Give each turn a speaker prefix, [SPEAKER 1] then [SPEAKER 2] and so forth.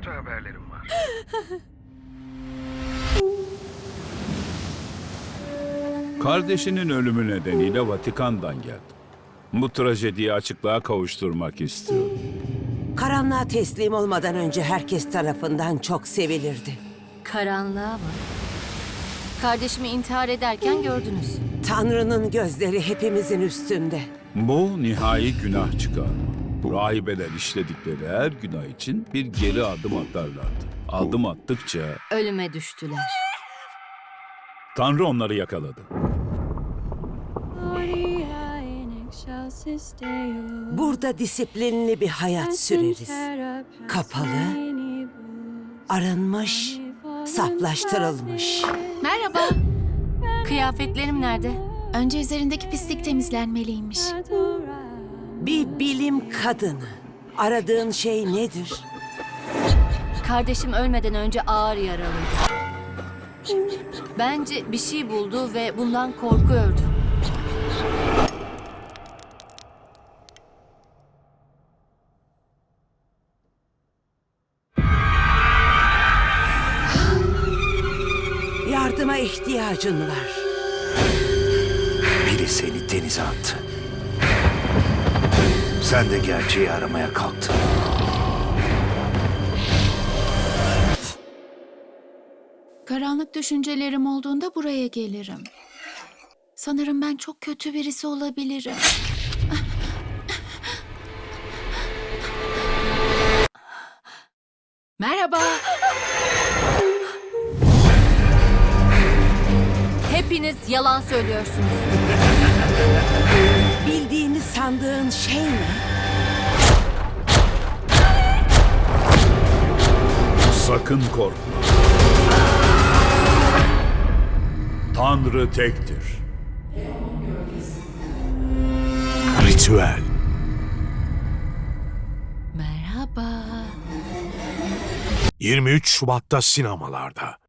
[SPEAKER 1] kötü haberlerim var.
[SPEAKER 2] Kardeşinin ölümü nedeniyle Vatikan'dan geldim. Bu trajediyi açıklığa kavuşturmak istiyorum.
[SPEAKER 3] Karanlığa teslim olmadan önce herkes tarafından çok sevilirdi.
[SPEAKER 4] Karanlığa mı? Kardeşimi intihar ederken gördünüz.
[SPEAKER 3] Tanrı'nın gözleri hepimizin üstünde.
[SPEAKER 2] Bu nihai günah çıkarma. Rahibeler işledikleri her günah için bir geri adım atarlardı. Adım attıkça
[SPEAKER 4] Ölüme düştüler.
[SPEAKER 2] Tanrı onları yakaladı.
[SPEAKER 3] Burada disiplinli bir hayat süreriz. Kapalı, arınmış, saflaştırılmış.
[SPEAKER 5] Merhaba.
[SPEAKER 4] Kıyafetlerim nerede?
[SPEAKER 5] Önce üzerindeki pislik temizlenmeliymiş.
[SPEAKER 3] Bir bilim kadını. Aradığın şey nedir?
[SPEAKER 4] Kardeşim ölmeden önce ağır yaralıydı. Bence bir şey buldu ve bundan korkuyordu.
[SPEAKER 3] Yardıma ihtiyacın var.
[SPEAKER 6] Biri seni denize attı. Sen de gerçeği aramaya kalktın.
[SPEAKER 5] Karanlık düşüncelerim olduğunda buraya gelirim. Sanırım ben çok kötü birisi olabilirim. Merhaba.
[SPEAKER 4] Hepiniz yalan söylüyorsunuz.
[SPEAKER 3] Bildiğini sandığın şey ne?
[SPEAKER 2] Sakın korkma. Tanrı tektir.
[SPEAKER 6] Ritüel.
[SPEAKER 5] Merhaba.
[SPEAKER 6] 23 Şubat'ta sinemalarda.